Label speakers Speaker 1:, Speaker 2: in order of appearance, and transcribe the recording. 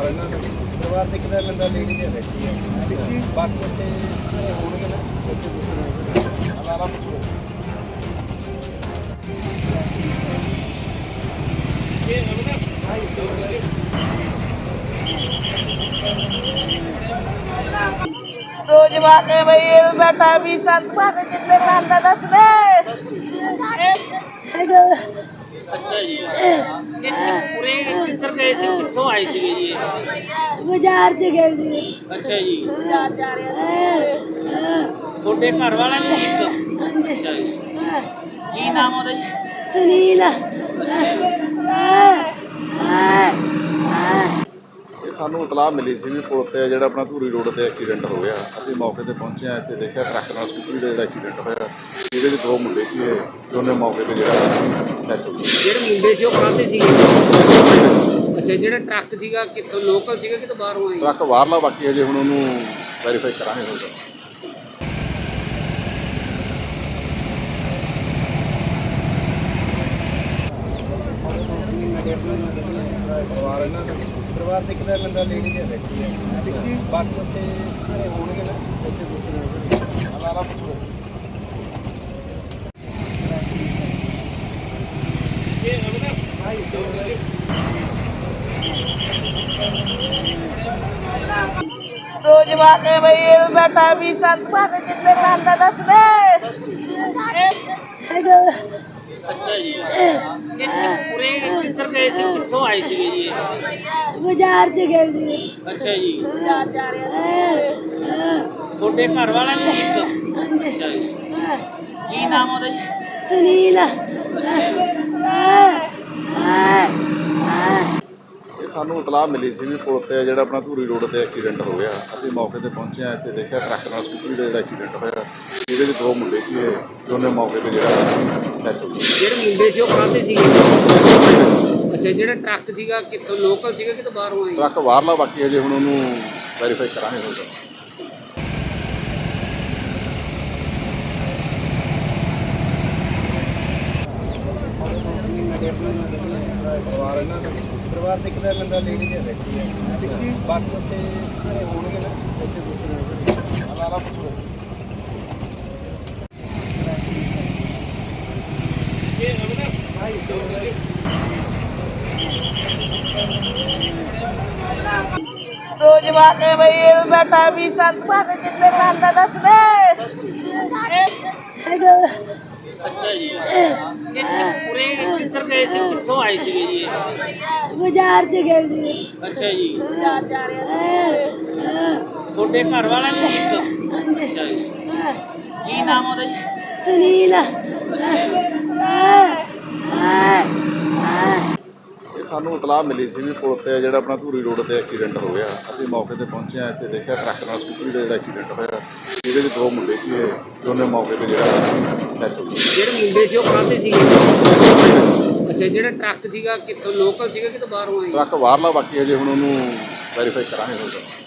Speaker 1: ਪਰਿਵਾਰ ਦਿਖਦਾ ਬੰਦਾ ਲੇਡੀ ਦੇ ਬੈਠੀ ਹੈ ਬਾਕੀ ਤੇ ਹੋਣਗੇ ਨਾ ਅਲਾਰਾ ਪੁੱਛੋ ਇਹ ਅਮਨਾ
Speaker 2: दो जवाक है भाई ये बेटा भी संत भाग कितने साल का दस दे
Speaker 1: अच्छा जी पूरे किधर गए थे कितों आए थे जी
Speaker 2: बाजार से गए थे
Speaker 1: अच्छा जी
Speaker 2: बाजार जा रहे हैं
Speaker 1: छोटे घर वाला भी अच्छा जी की नाम होता जी
Speaker 2: सुनील
Speaker 3: ਸਾਨੂੰ ਇਤਲਾਹ ਮਿਲੀ ਸੀ ਵੀ ਪੁਲ ਤੇ ਜਿਹੜਾ ਆਪਣਾ ਧੂਰੀ ਰੋਡ ਤੇ ਐਕਸੀਡੈਂਟ ਹੋ ਗਿਆ। ਅਸੀਂ ਮੌਕੇ ਤੇ ਪਹੁੰਚੇ ਆ, ਇੱਥੇ ਦੇਖਿਆ ਟਰੱਕ ਨਾਲ ਸਕੂਟਰੀ ਦਾ ਜਿਹੜਾ ਐਕਸੀਡੈਂਟ ਹੋਇਆ, ਇਹਦੇ ਵਿੱਚ ਦੋ ਮੁੰਡੇ ਸੀ, ਦੋਨੇ ਮੌਕੇ ਤੇ ਜਿਹੜਾ ਡੈਥ ਹੋ ਗਈ।
Speaker 1: ਜਿਹੜੇ ਮੁੰਡੇ ਸੀ ਉਹ ਕਾਹਦੇ ਸੀਗੇ? ਅੱਛਾ, ਜਿਹੜਾ ਟਰੱਕ ਸੀਗਾ ਕਿੱਥੋਂ ਲੋਕਲ ਸੀਗਾ ਕਿ ਬਾਹਰੋਂ ਆਇਆ?
Speaker 3: ਟਰੱਕ ਬਾਹਰਲਾ, ਬਾਕੀ ਅਜੇ ਹੁਣ ਉਹਨੂੰ ਵੈਰੀਫਾਈ ਕਰਾਂਗੇ।
Speaker 1: ਪਰਿਵਾਰ ਦਿਖਦਾ ਬੰਦਾ ਲੇਡੀ ਦੇ ਬੈਠੀ ਹੈ ਬਾਕੀ ਤੇ ਹੋਣਗੇ ਨਾ ਅਲਾਰਾ ਪੁੱਛੋ ਇਹ ਅਮਨਾ
Speaker 2: दो जवाक है भाई ये बेटा भी संत भाग कितने साल का दस दे
Speaker 1: अच्छा जी पूरे किधर गए थे कितों आए थे जी
Speaker 2: बाजार से गए थे
Speaker 1: अच्छा जी
Speaker 2: बाजार जा रहे हैं
Speaker 1: छोटे घर वाला भी अच्छा जी की नाम होता जी
Speaker 2: सुनील
Speaker 3: ਸਾਨੂੰ ਇਤਲਾਹ ਮਿਲੀ ਸੀ ਵੀ ਪੁਲ ਤੇ ਜਿਹੜਾ ਆਪਣਾ ਧੂਰੀ ਰੋਡ ਤੇ ਐਕਸੀਡੈਂਟ ਹੋ ਗਿਆ। ਅਸੀਂ ਮੌਕੇ ਤੇ ਪਹੁੰਚੇ ਆ, ਇੱਥੇ ਦੇਖਿਆ ਟਰੱਕ ਨਾਲ ਸਕੂਟਰੀ ਦਾ ਜਿਹੜਾ ਐਕਸੀਡੈਂਟ ਹੋਇਆ, ਇਹਦੇ ਵਿੱਚ ਦੋ ਮੁੰਡੇ ਸੀ, ਦੋਨੇ ਮੌਕੇ ਤੇ ਜਿਹੜਾ ਡੈਥ ਹੋ ਗਈ।
Speaker 1: ਜਿਹੜੇ ਮੁੰਡੇ ਸੀ ਉਹ ਕਾਹਦੇ ਸੀਗੇ? ਅੱਛਾ, ਜਿਹੜਾ ਟਰੱਕ ਸੀਗਾ ਕਿੱਥੋਂ ਲੋਕਲ ਸੀਗਾ ਕਿ ਬਾਹਰੋਂ ਆਇਆ?
Speaker 3: ਟਰੱਕ ਬਾਹਰਲਾ, ਬਾਕੀ ਅਜੇ ਹੁਣ ਉਹਨੂੰ ਵੈਰੀਫਾਈ ਕਰਾਂਗੇ।
Speaker 1: ਪਰਿਵਾਰ ਦਿਖਦਾ ਬੰਦਾ ਲੇਡੀ ਦੇ ਬੈਠੀ ਹੈ ਬਾਕੀ ਤੇ ਹੋਣਗੇ ਨਾ ਅਲਾਰਾ ਪੁੱਛੋ ਇਹ ਅਮਨਾ
Speaker 2: दो जवाक है भाई ये बेटा भी संत भाग कितने साल का दस दे
Speaker 1: अच्छा जी पूरे किधर गए थे कितों आए थे जी
Speaker 2: बाजार से गए थे
Speaker 1: अच्छा जी
Speaker 2: बाजार जा रहे हैं
Speaker 1: छोटे घर वाला भी अच्छा जी की नाम होता जी
Speaker 2: सुनील
Speaker 3: ਸਾਨੂੰ ਇਤਲਾਹ ਮਿਲੀ ਸੀ ਵੀ ਪੁਲ ਤੇ ਜਿਹੜਾ ਆਪਣਾ ਧੂਰੀ ਰੋਡ ਤੇ ਐਕਸੀਡੈਂਟ ਹੋ ਗਿਆ। ਅਸੀਂ ਮੌਕੇ ਤੇ ਪਹੁੰਚੇ ਆ, ਇੱਥੇ ਦੇਖਿਆ ਟਰੱਕ ਨਾਲ ਸਕੂਟਰੀ ਦਾ ਜਿਹੜਾ ਐਕਸੀਡੈਂਟ ਹੋਇਆ, ਇਹਦੇ ਵਿੱਚ ਦੋ ਮੁੰਡੇ ਸੀ, ਦੋਨੇ ਮੌਕੇ ਤੇ ਜਿਹੜਾ ਡੈਥ ਹੋ ਗਈ।
Speaker 1: ਜਿਹੜੇ ਮੁੰਡੇ ਸੀ ਉਹ ਕਾਹਦੇ ਸੀਗੇ? ਅੱਛਾ, ਜਿਹੜਾ ਟਰੱਕ ਸੀਗਾ ਕਿੱਥੋਂ ਲੋਕਲ ਸੀਗਾ ਕਿ ਬਾਹਰੋਂ ਆਇਆ?
Speaker 3: ਟਰੱਕ ਬਾਹਰਲਾ, ਬਾਕੀ ਅਜੇ ਹੁਣ ਉਹਨੂੰ ਵੈਰੀਫਾਈ ਕਰਾਂਗੇ।